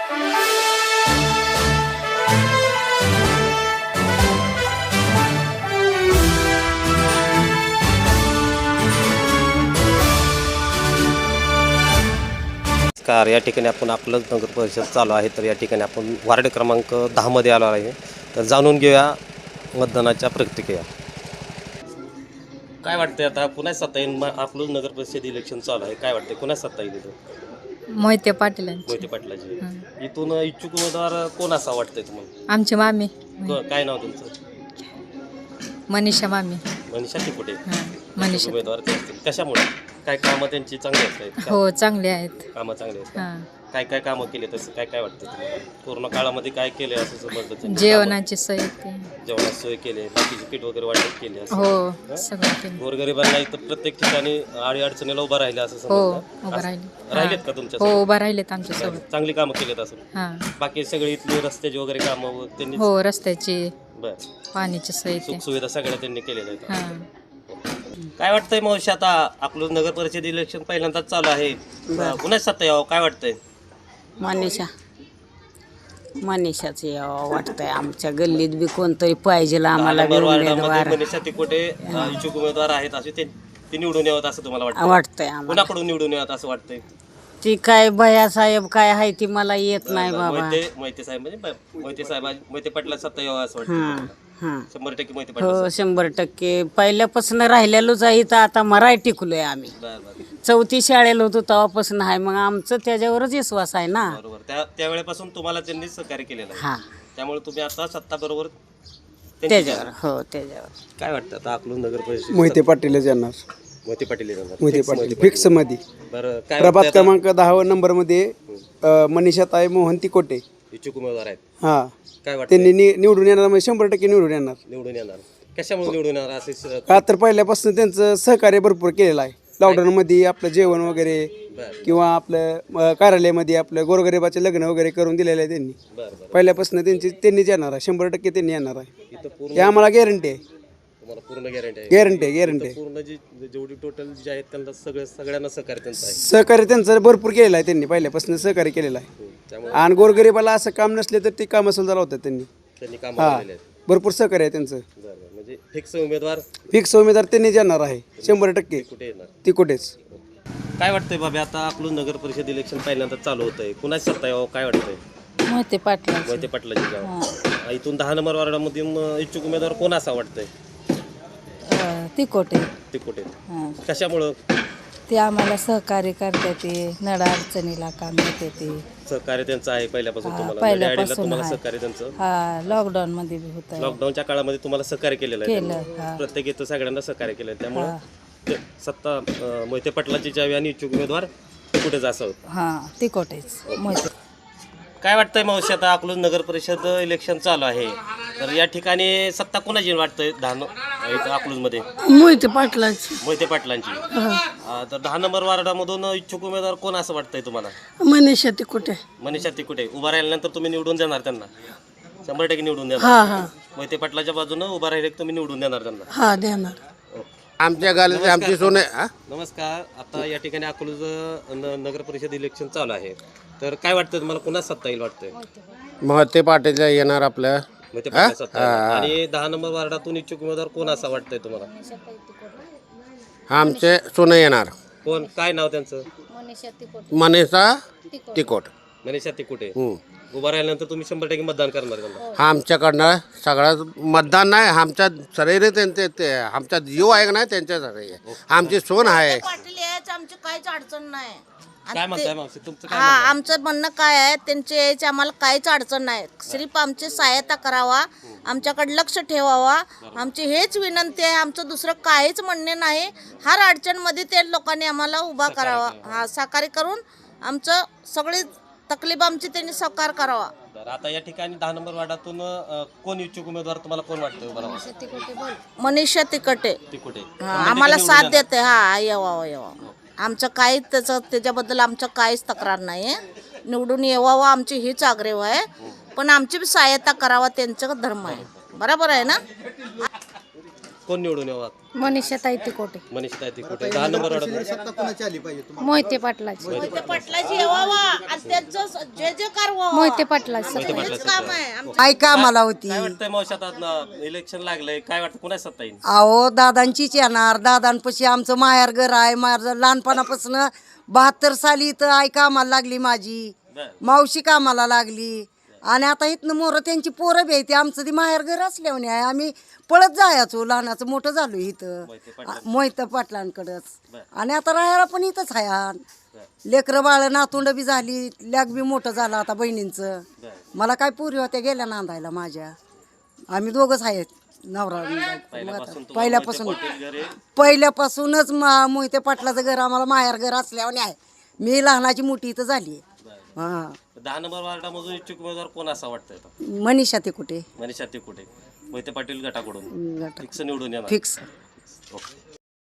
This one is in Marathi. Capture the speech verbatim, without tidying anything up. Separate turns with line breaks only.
नमस्कार. या ठिकाणी आपण आपलं नगर परिषद चालू आहे. तर या ठिकाणी आपण वार्ड क्रमांक दहा मध्ये आलो आहे. तर जाणून घेऊया मतदानाच्या प्रतिक्रिया. काय वाटतंय आता पुन्हा सत्ता येईल? आपलं नगर परिषद इलेक्शन चालू आहे. काय वाटतंय पुन्हा सत्ता येईल इथं?
मोहिते पाटील
मोहिते पाटलाची. इथून इच्छुक उमेदवार कोण असा वाटतंय तुम्हाला?
आमची मामी
काय नाव तुमचं?
मनीषा मामी.
मनीषा तिकुटे
मनीषा
उमेदवार ते असतील. कशामुळे? काय कामं त्यांची चांगली आहेत?
हो चांगले आहेत.
कामं चांगली आहेत.
हां.
काय काय कामं केले तसं काय काय वाटतं तुम्हाला? कोरोना काळामध्ये काय केले असं समजतं?
जेवणाची सोय ते.
जेवणाची सोय केली, बाकीचे किट वगैरे वाटप केले असं.
हो सगळं केलं.
गोरगरिबांना इथं प्रत्येक ठिकाणी अडी अडचणीला उभा राहिले असं
हो
समजतं.
उभं राहिले.
राहिलेत का तुमच्या
हो उभं राहिलेत आमच्या सोबत.
चांगली कामं केलीत असं?
हां.
बाकी सगळी इथली रस्त्याची वगैरे कामं त्यांनी
हो रस्त्याची
बर
पाण्याची सोय ते.
सुख सुविधा सगळ्या त्यांनी केलेल्या आहेत.
हां.
काय वाटतंय मावशी? आता आपलं नगर परिषद इलेक्शन पहिल्यांदाच चालू आहे. पुन्हा सत्ता यावं काय वाटतंय?
मनीषा मनीषाच यावं वाटतंय. आमच्या गल्लीत बी कोणतरी पाहिजे आम्हाला बी उमेदवार
मनीषा तिकोटे इच्छुक उमेदवार आहेत असे ते ते निवडून यावं असं तुम्हाला वाटतं?
वाटतंय आम्हाला.
कुणाकडून निवडून यावं असं वाटतंय?
ती काय भया साहेब काय आहे ती मला येत नाही बाबा.
मोहिते मोहिते साहेब म्हणजे मोहिते साहेब मोहिते पाटला सत्ता यावं असं
हां
वाटतं?
हां
शंभर टक्के मोहिते
हो
पाटील.
शंभर टक्के पहिल्यापासून राहिलेलोच आहे तर आता मराठी टिकलोय आम्ही.
बरं बरं
चौथी शाळेला होतो तेव्हापासून आहे मग आमचं त्याच्यावरच विश्वास आहे ना.
बरोबर. त्या त्यावेळेपासून तुम्हाला त्यांनी सहकार्य केलेलं आहे.
हां
त्यामुळे तुम्ही आता सत्ता बरोबर
त्याच्यावर हो त्याच्यावर.
काय वाटतं आता आपलं नगर परिषद?
मोहिते पाटीलच येणार.
मोहिते पाटील येणार.
मोहिते
Fix
पाटील फिक्स मध्ये.
बरं काय
प्रभात
वाटतंय आता?
क्रमांक दहा नंबर मध्ये मनीषाताई मोहन तिकोटे
इच्छुक उमेदवार आहेत.
हा
काय वाटतं
त्यांनी नि- निवडून येणार म्हणजे शंभर टक्के निवडून येणार.
निवडून येणार? कशामुळे निवडून येणार असे स-
का तर पहिल्यापासून त्यांचं सहकार्य भरपूर केलेलं आहे. लॉकडाऊन मध्ये आपलं जेवण वगैरे
बरं
किंवा आपलं अं, कार्यालयामध्ये आपलं गोरगरिबाचे लग्न वगैरे करून दिलेलं आहे त्यांनी.
बरं बरं.
पहिल्यापासून त्यांची त्यांनीच येणार आहे. शंभर टक्के त्यांनी येणार आहे.
इथं पूर्ण
हे आम्हाला गॅरंटी आहे.
तुम्हाला पूर्ण गॅरंटी आहे?
गॅरंटी आहे गॅरंटी आहे.
पूर्ण जी जेवढी टोटल जे आहेत त्यांना सगळं सगळ्यांना सहकार्य त्यांचं आहे.
सहकार्य त्यांचं भरपूर केलेलं आहे. त्यांनी पहिल्यापासून सहकार्य केलेलं आहे.
त्यामुळे
आणि गोरगरिबाला असं काम नसले तर ते कामं सुद्धा लावतात त्यांनी.
त्यांनी कामं
हा
केलेले आहेत.
भरपूर सहकार्य आहे त्यांचं.
बरं बरं. म्हणजे फिक्स उमेदवार
फिक्स उमेदवार त्यांनी येणार आहे शंभर टक्के.
कुठे येणार?
ती कुठेच.
काय वाटतंय बाबा आता आपलं नगर परिषद इलेक्शन पहिल्यांदा चालू होतंय. कुणाच सत्ता यावं काय वाटतंय?
मोहिते पाटील
मोहिते पाटलाची गाव. इथून दहा नंबर वार्डामधून इच्छुक उमेदवार कोण असा वाटतंय?
तिकोटे
ते कुठे? कशामुळं?
ते आम्हाला सहकार्य करते ते नडा अडचणीला काम देते ते.
सहकार्य त्यांचं आहे पहिल्यापासून
हा,
तुम्हाला?
पहिल्यापासून
नड्याआडीला तुम्हाला
आहे.
सहकार्य त्यांचं?
हा लॉकडाऊन मध्ये बी होत.
लॉकडाऊनच्या काळामध्ये तुम्हाला सहकार्य केलेलं आहे
केलं,
त्यांनी.
हा.
प्रत्येक इथं सगळ्यांना सहकार्य केलं आहे. त्यामुळं ते सत्ता अं, मोहिते पाटलाची जावी आणि इच्छुक उमेदवार कुठेच असं.
हा तिकोटेच मोहिते.
काय वाटतंय मावशी आता आपलं नगर परिषद इलेक्शन चालू आहे. तर या ठिकाणी सत्ता कोणाची वाटतंय? दहा इथं अकलूजमध्ये
मोहिते पाटलाची.
मोहिते पाटलांची. अं, तर दहा नंबर वार्डामधून इच्छुक उमेदवार कोण असं वाटतंय तुम्हाला?
मनीषा तिकोटे.
मनीषा तिकुटे. उभा राहिल्यानंतर तुम्ही निवडून देणार त्यांना? शंभर टक्के निवडून देणार.
हा हा
मोहिते पाटलाच्या बाजूनं उभा राहिले तुम्ही निवडून देणार त्यांना?
हा देणार.
आमच्या गालीत आमची सोने हा?
नमस्कार. आता या ठिकाणी अकलूज न- नगर परिषद इलेक्शन चालू आहे. तर काय वाटतं तुम्हाला कुणाच सत्ता येईल वाटतंय?
मोहिते पाटील येणार आपलं.
मोहिते पाटील सत्ता येईल. आणि दहा नंबर वार्डातून इच्छुक उमेदवार कोण असा वाटतंय तुम्हाला?
आमचे सोने येणार.
कोण? काय नाव त्यांचं?
मनीषा तिकोट.
मनीषा तिकुटे.
हम्म.
उभा राहिल्यानंतर तुम्ही शंभर टक्के मतदान करणार त्यांना?
आमच्याकडनं सगळं मतदान नाही आमच्या शरीर त्यांचे ते आमचा जीव आहे का नाही त्यांच्यासाठी आमची सोन आहे.
पाटील यायचं आमची काहीच अडचण नाही.
काय म्हणताय मावशी तुमचं काय
हा
म्हणणं आहे?
आमचं म्हणणं काय आहे त्यांचे यायचे आम्हाला काहीच अडचण नाही. सिर्फ आमची सहायता करावा, आमच्याकडे लक्ष ठेवावा, आमची हेच विनंती आहे. आमचं दुसरं काहीच म्हणणे नाही. हर अडचणमध्ये ते लोकांनी आम्हाला उभा करावा. हा सहकार्य करून आमचं सगळी तकलीफ आमची त्यांनी सहकार करावा.
तर आता या ठिकाणी दहा नंबर वार्डातून अं, कोण इच्छुक उमेदवार तुम्हाला कोण वाटतंय उभा राहावा?
मनीषा तिकटे
तिकुटे.
हा, आम्हाला साथ देते. हा येवावं येवावं. आमचं काही त्याचं त्याच्याबद्दल आमचं काहीच तक्रार नाही आहे. निवडून येवावं आमची हीच आग्रह आहे. पण आमची बी सहायता करावा त्यांचं धर्म आहे. बरोबर आहे ना?
कोण निवडून यावं?
मनीषा ताई तिकोटे.
मनीषा तिकुटे. दहा नंबर वार्डातून
मोहिते पाटलाची.
मोहिते पाटलाची येवावा आणि त्यांचं जे जे कार व्हावं.
मोहिते पाटला
हेच काम आहे आमचं.
काय कामाला होती
काय वाटतंय मावशी आता इलेक्शन लागलंय काय वाटतं कुणा सत्ता येईल
अहो दादांचीच येणार दादांपाशी आमचं माहेर घर आहे माझं लहानपणापासून बहात्तर साली इथं आई कामाला लागली माझी
बरं.
मावशी कामाला लागली आणि आता इथनं मोरं त्यांची पोरं बी आहे ते आमचं ती माहेर घर असल्याने आहे आम्ही पळत जायचो लहानाचं मोठं झालो इथं
मोहिते पाटलां-
मोहित पाटलांकडंच
बरं.
आणि आता राहायला पण इथंच आहे हा. लेकरं बाळ नातुंड बी झाली लेक बी मोठं झालं आता बहिणींचं मला काय पुरी होत्या गेल्या नांदायला माझ्या आम्ही दोघंच आहेत नवरा
पहिल्यापासून तुम्हाला
पहिल्यापासून
मोहिते पाटील घरी
पहिल्यापासूनच मा- मोहिते पाटलाचं घर आम्हाला माहेर घर असल्याने आहे मी लहानाची मोठी इथं झाली हां
दहा नंबर वार्डामधून इच्छुक उमेदवार कोण असा वाटतंय आता?
मनीषा ते कुठे
मनीषा तिकुटे मोहिते पाटील गटाकडून
गट
फिक्स निवडून येणार
फिक्स
ओके